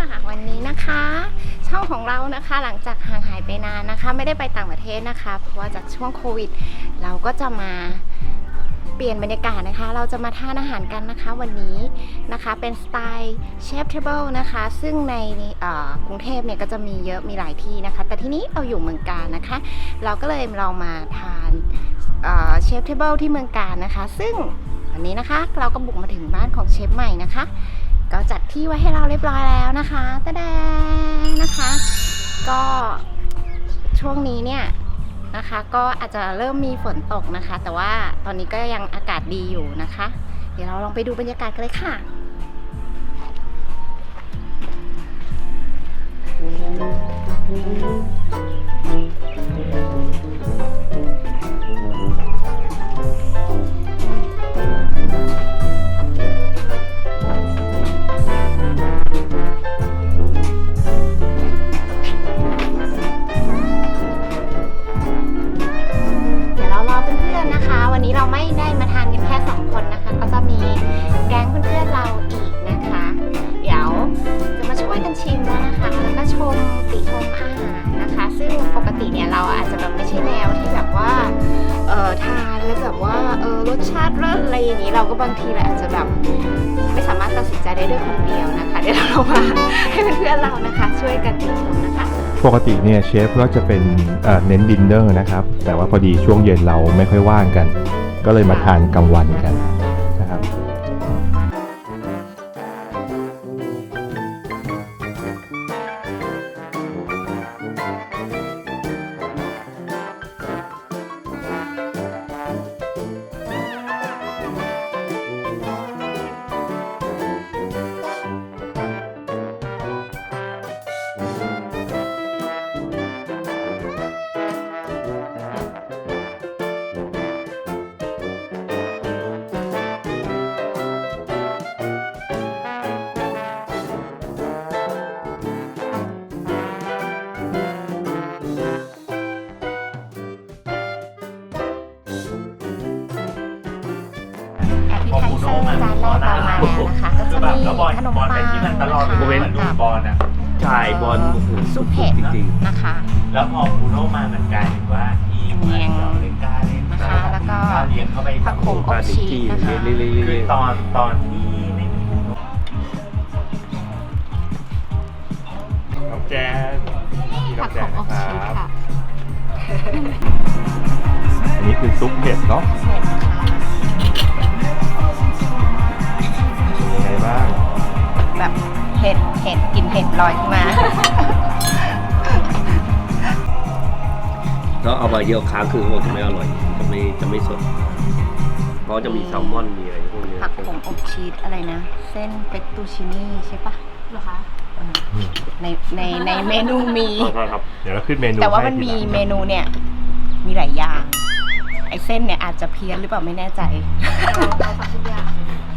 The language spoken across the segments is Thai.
วันนี้นะคะช่องของเรานะคะหลังจากห่างหายไปนานนะคะไม่ได้ไปต่างประเทศนะคะเพราะว่าจากช่วงโควิดเราก็จะมาเปลี่ยนบรรยากาศนะคะเราจะมาทานอาหารกันนะคะวันนี้นะคะเป็นสไตล์เชฟเทเบิลนะคะซึ่งในกรุงเทพเนี่ยก็จะมีเยอะมีหลายที่นะคะแต่ที่นี้เราอยู่เมืองกาญนะคะเราก็เลยเรามาทานเชฟเทเบิลที่เมืองกาญนะคะซึ่งวันนี้นะคะเราก็บุกมาถึงบ้านของเชฟใหม่นะคะก็จัดที่ไว้ให้เราเรียบร้อยแล้วนะคะตะแดงนะคะก็ช่วงนี้เนี่ยนะคะก็อาจจะเริ่มมีฝนตกนะคะแต่ว่าตอนนี้ก็ยังอากาศดีอยู่นะคะเดี๋ยวเราลองไปดูบรรยากาศกันเลยค่ะวันนี้เราไม่ได้มาทานกันแค่2คนนะคะก็จะมีแก๊งเพื่อนๆเราอีกนะคะเดี๋ยวจะมาช่วยกันชิมนะคะแล้วก็ชมติชมอาหารนะคะซึ่งปกติเนี่ยเราอาจจะแบบไม่ใช่แนวที่แบบว่าทานแล้วแบบว่ารสชาติเลิศอะไรอย่างนี้เราก็บางทีเราอาจจะแบบไม่สามารถตัดสินใจได้ด้วยคนเดียวนะคะเดี๋ยวเรามาให้เพื่อนๆเรานะคะช่วยกันติชมนะคะปกติเนี่ยเชฟก็จะเป็นเน้นดินเนอร์นะครับแต่ว่าพอดีช่วงเย็นเราไม่ค่อยว่างกันก็เลยมาทานกลางวันกันนะครับจานแรกเรามาแล้วนะคะก็จะมีขนมปังที่มันตลอดเลยเว้นดูบอลอ่ะใช่บอลซุปเผ็ดนะคะแล้วพอบูโน่มามันกลายเป็นว่าทีมเล่นกาเล่นนะคะแล้วก็เลี้ยงเข้าไปผักโขมอบชีสนะคะคือตอนที่ไม่มีน้องแจ๊สผักโขมอบชีสค่ะอันนี้คือซุปเผ็ดเนาะเผ็ดค่ะยังไงบ้างแบบเผ็ดกลิ่นเผ็ดลอยขึ้นมาแล้วเอามาเยอะค้างคือมันจะไม่อร่อยจะไม่สดเพราะจะมีแซลมอนมีอะไรพวกนี้ผักโขมอบชีสอะไรนะเส้นเฟตตูชินี่ใช่ปะเหรอคะในเมนูมีครับเดี๋ยวเราขึ้นเมนูแต่ว่ามันมีเมนูเนี่ยมีหลายอย่างไอ้เส้นเนี่ยอาจจะเพี้ยนหรือเปล่าไม่แน่ใจเอาทุกอย่าง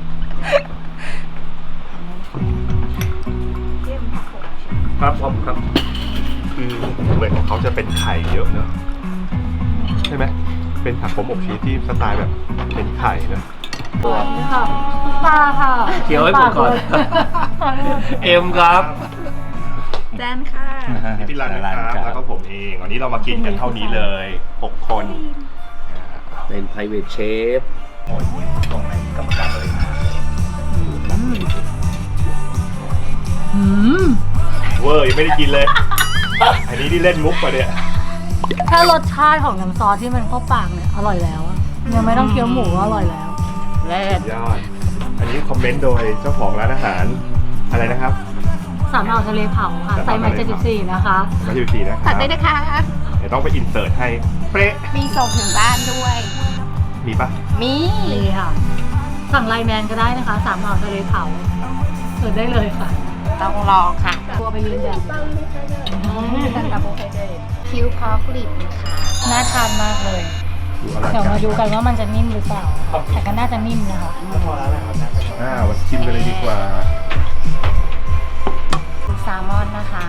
ครับผมครับคือเหมือนของเขาจะเป็นไข่เยอะเนอะใช่ไหมเป็นผักโขมอบชีสที่สไตล์แบบเป็นไข่เนอะค่ะปลาค่ะเคี้ยวให้ผมก่อนเอ็มครับแจนค่ะพี่รันนะครับแล้วก็ผมเองวันนี้เรามากินกันเท่านี้เลย6คนเป็น private chef โอ้ยตรงไหนกรรมการเลยเวอร์ยังไม่ได้กินเลยอันนี้ที่เล่นมุกปะเนี่ยแค่รสชาติของน้ำซอสที่มันเข้าปากเนี่ยอร่อยแล้วยังไม่ต้องเคี้ยวหมูก็อร่อยแล้วเลิศยอดอันนี้คอมเมนต์โดยเจ้าของร้านอาหารอะไรนะครับสามอ่าวทะเลเผาค่ะไซส์ใหม่74นะคะมา74นะครับผัดได้นะคะเดี๋ยวต้องไปอินเสิร์ตให้เป๊ะมีส่งถึงบ้านด้วยมีปะมีค่ะสั่งไลน์แมนก็ได้นะคะสามอ่าวทะเลเผาเสิร์ชได้เลยค่ะต้องลองค่ะตัวไปยืนแบบคิวพอกลิบนะคะน่าทานมากเลยเดี๋ยวมาดูกันว่ามันจะนิ่มหรือเปล่าแต่ก็น่าจะนิ่มนะคะวันชิมกันเลยดีกว่าแซลมอนนะคะ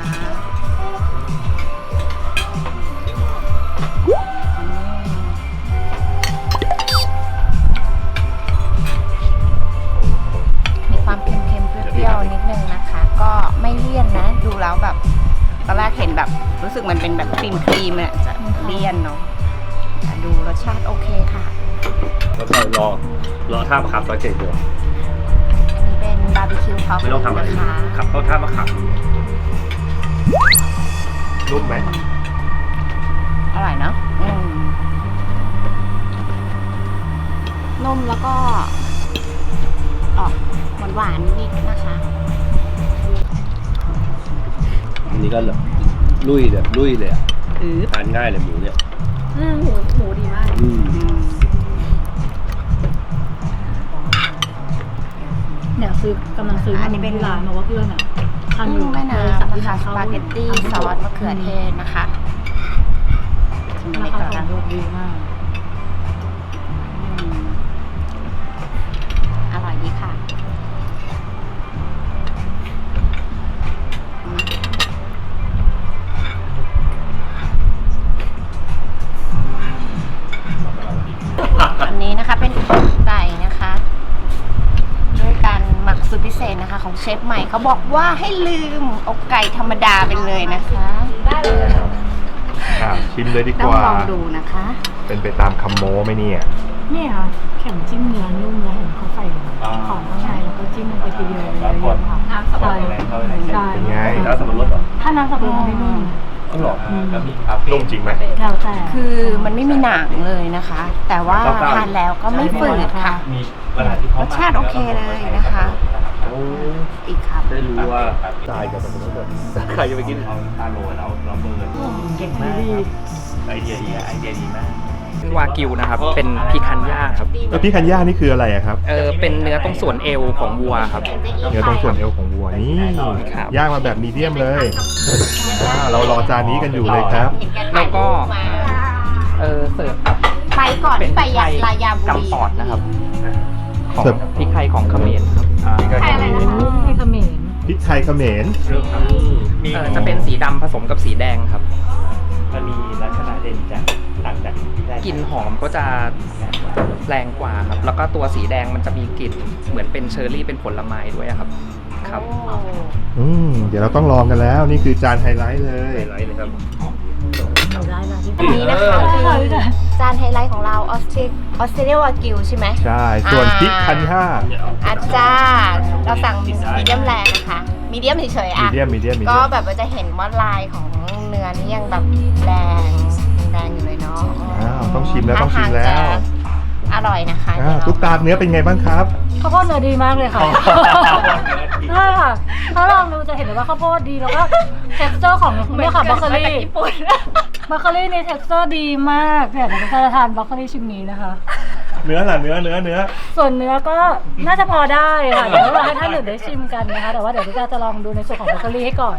มีความเค็มๆเปรี้ยวๆนิดนึงนะคะก็ไม่เลี่ยนสึกมันเป็นแบบครีมเนี่ยจะเลี่ยนเนาะแต่ดูรสชาติโอเคค่ะแล้วก็รอท่ามะขามซอยเจ็ดอยู่อันนี้เป็นบาร์บีคิวท็อปไม่ต้องทำอะไรนะคะขับเข้าท่ามะขามนุ่มไหมอร่อยเนาะนุ่มแล้วก็ออกหวานๆนิดนะคะอันนี้ก็แบบลุยเลยอะทานง่ายเลยหมูเนี่ยหมูดีมาก เนี่ยกำลังซื้ออันนี้เป็นร้านมาว่าเพื่อนอ่ะทานอกุ้ยู่งแม่น้สั่งำที่นะคะร้านสเขาปาเกตตี้ซอสมะเขือเทศนะคะชิมราเล็กคาก่อนขอนะงดีมากอร่อยดีค่ะอันนี้นะคะเป็นอกไก่นะคะด้วยการหมักสูตรพิเศษนะคะ ของเชฟใหม่เขาบอกว่าให้ลืมอกไก่ธรรมดาไปเลยนะคะชิมเลยดีต้กองว่าลองดูนะคะเป็นไปตามคำโม้ไหมเนี่ยนี่ค่ะเข็มจิ้มเนื้อนุ่มแล้วเห็นเขาใส่ของข้างในแล้วก็จิ้มลงไปทีเดียวเลยเยอะๆค่ะใช่ใช่เป็นไงแล้วสับปะรดเหรอถ้าน้ำสับปะรดมันไม่นุ่มก็หรอก็มีคาเฟ่นุ่มจริงไหมแล้วแต่คือมันไม่มีหนังเลยนะคะ แต่ว่าทานแล้วก็ไม่ฝืดค่ะมีเวลาที่เขารสชาติโอเคเลยนะคะ อีกครับได้รู้ว่าทรายกับสับปะรดแบบใครจะไปกินเอาตาโรยเราเบิร์นเก่งมากครับไอเดียดีมากเป็นวากิวนะครับ เป็นพิคันย่าครับแล้วพี่คันย่านี่คืออะไรอะครับเป็นเนื้อตรงส่วนเอวของวัวครับเนื้อตรงส่วนเอวของวัวนี่ครับย่างมาแบบมีเดียมเลยเรารอจานนี้กันอยู่เลยครับแล้วก็ เสิร์ฟกับไปก่อนเป็นที่ไปพริกไทยลายาบุรีกำปอดนะครับ ของเสิร์ฟพริกไทยของเขมรครับพริกไทยเขมรที่เขมรพริกไทยเขมรจะเป็นสีดำผสมกับสีแดงครับมันมีลักษณะเด่นจากต่างจากที่ได้กลิ่นหอมก็จะแรงกว่าครับ แล้วก็ตัวสีแดงมันจะมีกลิ่นเหมือนเป็นเชอร์รี่เป็นผลไม้ด้วยครับ ครับเดี๋ยวเราต้องลองกันแล้ว นี่คือจานไฮไลท์เลยไฮไลท์เลยครับเอาได้ละที่อันนี้นะคะคือจานไฮไลท์ของเราออสเตรเลียวากิวใช่ไหมใช่ ส่วนพริกคันย่าอาจารย์เราสั่งมีเดียมแรงนะคะมีเดียมเฉยๆมีอ่ะเดียมมีเดียมมีก็เดียมแบบว่าจะเห็นว่าลายของเนื้อนี่ยังแบบแดงอยู่เลยเนาะต้องชิมแล้วต้องชิมแล้วท่าทางจะอร่อยนะคะตุ๊กตาเนื้อเป็นไงบ้างครับข้าวโพดเนื้อดีมากเลยค่ะใช่ค่ะ ถ้าลองดูจะเห็นเลยว่าข้าวโพดดีแล้วก็ texture ของเนี่ยค่ะบรอกโคลีบรอกโคลีใน texture ดีมากเนี่ยเดี๋ยวจะทานบรอกโคลีชิ้นนี้นะคะเนื้อล่ะเนื้อส่วนเนื้อก็น่าจะพอได้ค่ะเดี๋ยวเราให้ท่านอื่นได้ชิมกันนะคะแต่ว่าเดี๋ยวพี่จะลองดูในส่วนของบรอกโคลีให้ก่อน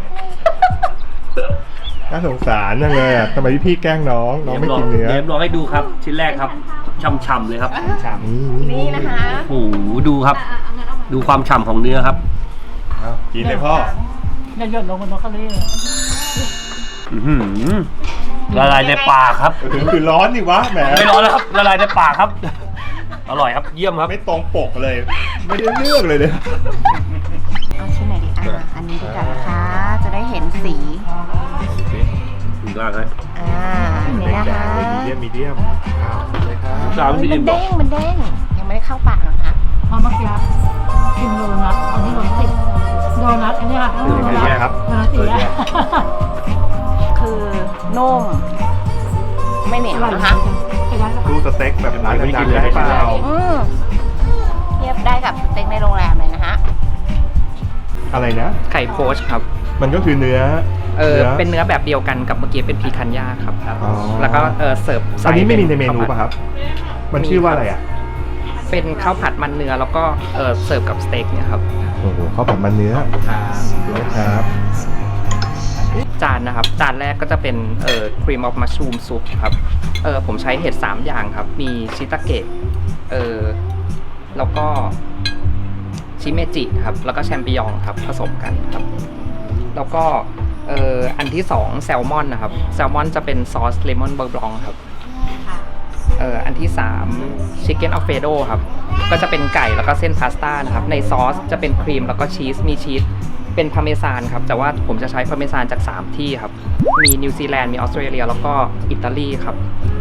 น่าสงสารจังเลยอ่ะทำไมพี่แกล้งน้องไม่กินเนื้อเดี๋ยวลองให้ดูครับ ชิ้นแรกครับฉ่ำๆเลยครับนี่นะคะโอ้โหดูครับ ดูความฉ่ำของเนื้อครับกินเลยพ่ออย่าหย่อนลงบนบรอกโคลีเลยอื้อหือละลายในปากครับคือร้อนนี่วะแหมไม่ร้อนแล้วครับละลายในปากครับ อร่อยครับเยี่ยมครับไม่ตรงปกเลย ไม่ได้เลือกเลยเนี่ยเอาชิ้นไหนดีอันนี้ดีกว่านะคะ จะได้เห็นสีถึงล่างเลยอันนี้นะคะมีเดียมเลยครับสามสิบมันเด้งยังไม่ได้เข้าปากหรอกคะเพราะเมื่อกี้กินโดนัทตอนที่รถติดโดนัทอันนี้ค่ะโดนัทเป็นไงครับโดนัทสีแดงคือนุ่มไม่เหนียวนะคะดูสเต็กแบบร้านดังๆได้เปล่าเทียบได้กับสเต็กในโรงแรมเลยนะคะอะไรนะไข่โพชครับมันก็คือเนื้อเป็นเนื้อแบบเดียวกันกับเมื่อกี้เป็นพิคันย่าครับอ๋อแล้วก็เสิร์ฟอันนี้ไม่มีในเมนูข้าวผัดป่ะครับ มันชื่อว่าอะไรอ่ะเป็นข้าวผัดมันเนื้อแล้วก็เสิร์ฟกับสเต็กเนี่ยครับโอ้โหข้าวผัดมันเนื้อนะครับจานนะครับ จานแรกก็จะเป็นครีมออฟมัชรูมซุปครับผมใช้เห็ด3อย่างครับ มีชิตาเกะแล้วก็ชิเมจิครับ แล้วก็แชมปิญองครับผสมกันครับ แล้วก็อันที่2แซลมอนนะครับแซลมอนจะเป็นซอสเลมอนเบอร์บลองครับอันที่3ชิคเก้นอัลเฟโดครับก็จะเป็นไก่แล้วก็เส้นพาสต้านะครับในซอสจะเป็นครีมแล้วก็ชีสมีชีสเป็นพาร์เมซานครับแต่ว่าผมจะใช้พาร์เมซานจาก3ที่ครับมีนิวซีแลนด์มีออสเตรเลียแล้วก็อิตาลีครับ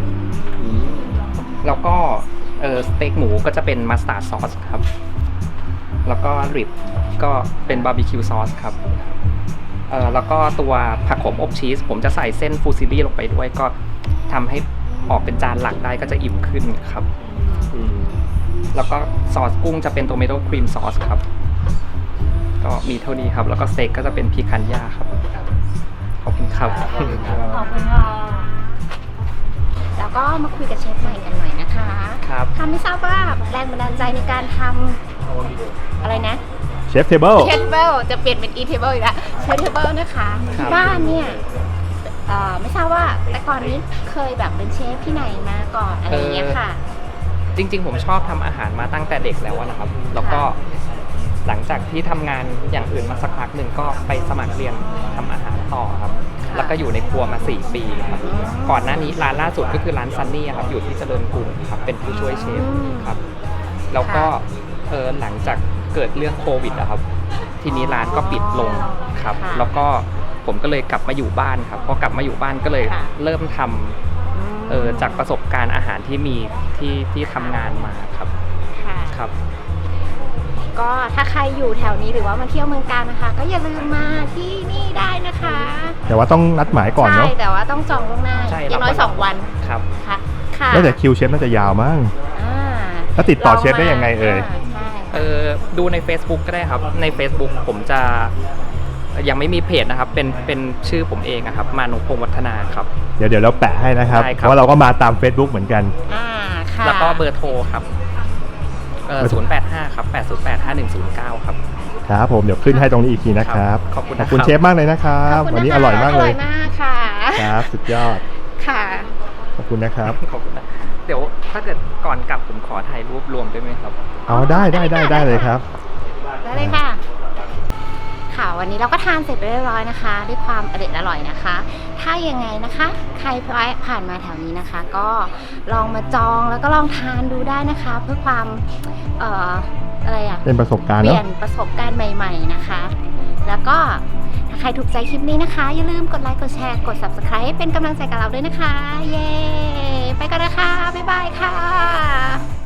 แล้วก็สเต็กหมูก็จะเป็นมัสตาร์ดซอสครับ แล้วก็ริบก็เป็นบาร์บีคิวซอสครับแล้วก็ตัวผักขมอบชีสผมจะใส่เส้นฟูซิลี่ลงไปด้วยก็ทำให้ออกเป็นจานหลักได้ก็จะอิ่มขึ้นครับ แล้วก็ซอสกุ้งจะเป็นโตเมโต้ครีมซอสครับก็มีเท่านี้ครับแล้วก็สเต็กก็จะเป็นพีคันย่าครับขอบคุณครับขอบคุณค่ะแล้วก็มาคุยกับเชฟใหม่กันหน่อยนะคะครับไม่ทราบว่าแรงบันดาลใจในการทำอะไรนะเชฟเทเบิลเชฟเทเบิลจะเปลี่ยนเป็นอีเทเบิลอีกแล้วเชฟเทเบิลนะคะครับบ้านเนี่ยไม่ทราบว่าแต่ก่อนนี้เคยแบบเป็นเชฟที่ไหนมาก่อนอะไรอย่างเงี้ยค่ะจริงๆผมชอบทำอาหารมาตั้งแต่เด็กแล้วนะครับ แล้วก็หลังจากที่ทำงานอย่างอื่นมาสักพักหนึ่งก็ไปสมัครเรียนทำอาหารต่อครับค่ะแล้วก็อยู่ในครัวมา 4 ปีครับ ก่อนหน้านี้ร้านล่าสุดก็คือร้านซันนี่ครับ อยู่ที่เจริญกรุงครับ เป็นผู้ช่วยเชฟครับ แล้วก็หลังจากเกิดเรื่องโควิดอะครับ ทีนี้ร้านก็ปิดลงครับค่ะแล้วก็ผมก็เลยกลับมาอยู่บ้านครับ พอกลับมาอยู่บ้านก็เลยค่ะเริ่มทำจากประสบการณ์อาหารที่มีที่ทำงานมาครับค่ะครับก็ถ้าใครอยู่แถวนี้หรือว่ามาเที่ยวเมืองกาญนะคะ ก็อย่าลืมมาที่นี่ได้นะคะแต่ว่าต้องนัดหมายก่อนใช่เนาะแต่ว่าต้องจองล่วงหน้าใช่อย่างน้อยเราก็ 2 วันครับค่ะค่ะแล้วแต่คิวเชฟน่าจะยาวมั้งอ่าแล้วติดต่อเชฟได้ยังไงเอ่ยใช่ดูใน Facebook ก็ได้ครับ ใน Facebook ผมจะยังไม่มีเพจนะครับ เป็นชื่อผมเองอะครับ มานุพงษ์วัฒนาครับเดี๋ยวเราแปะให้นะครับได้เพครับราะว่าเราก็มาตาม Facebook เหมือนกันค่ะแล้วก็เบอร์โทรครับ085 ครับ 808 5109 ครับครับผมเดี๋ยวขึ้นให้ตรงนี้อีกทีนะครับขอบคุณขนะอบคุณครับเชฟมากเลยนะครับขบคุณวันนี้ะคะอร่อยมากเลยอร่อยมากค่ะครับสุดยอดค่ะขอบคุณนะครับขอบคุณนะเดี๋ยวถ้าเกิดก่อนกลับผมขอถ่ายรูปรวมได้ไหมครับเอาได้เลยครับได้เลยค่ะ ค่ะวันนี้เราก็ทานเสร็จไปเรียบร้อยนะคะ ด้วยความอร่อยนะคะ ถ้ายังไงนะคะ ใครผ่านมาแถวนี้นะคะ ก็ลองมาจองแล้วก็ลองทานดูได้นะคะ เพื่อความอะไรอะเป็นประสบการณ์เปเนาะลี่ยนประสบการณ์ใหม่ๆนะคะ แล้วก็ถ้าใครถูกใจคลิปนี้นะคะ อย่าลืมกดไลค์กดแชร์กด Subscribe ให้เป็นกำลังใจกับเราด้วยนะคะ เย้ไปกันนะคะบ๊ายบายค่ะ